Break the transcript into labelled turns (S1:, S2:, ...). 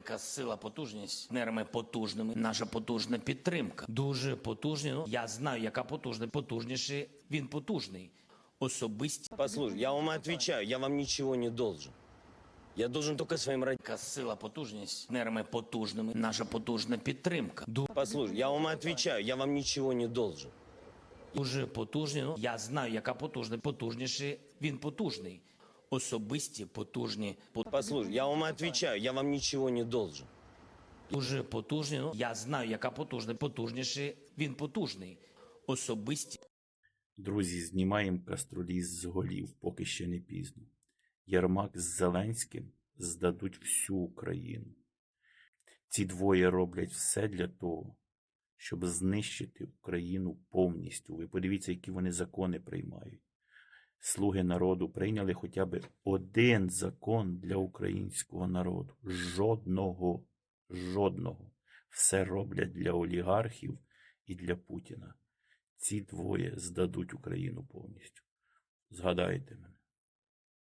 S1: Яка сила, потужність, нерми потужними, наша потужна підтримка. Дуже потужні. Ну, я знаю, яка потужна. Потужніший, він потужний. Особисті.
S2: Послушай, я вам отвечаю, я вам ничего не должен. Я должен только своим родителям.
S1: Яка сила, потужність, нерми потужними, наша потужна підтримка.
S2: Послушай, я вам отвечаю, я вам ничего не должен.
S1: Дуже потужні. Ну, я знаю, яка потужна. Потужніший, він потужний. Особисті, потужні.
S2: Послушай, я вам отвечаю, я вам ничего не должен.
S1: Дуже потужні. Ну, я знаю, яка потужна. Потужніший, він потужний. Особисті.
S3: Друзі, знімаємо каструлі з голів, поки ще не пізно. Єрмак з Зеленським здадуть всю Україну. Ці двоє роблять все для того, щоб знищити Україну повністю. Ви подивіться, які вони закони приймають. Слуги народу прийняли хоча б один закон для українського народу. Жодного. Жодного. Все роблять для олігархів і для Путіна. Ці двоє здадуть Україну повністю. Згадайте мене.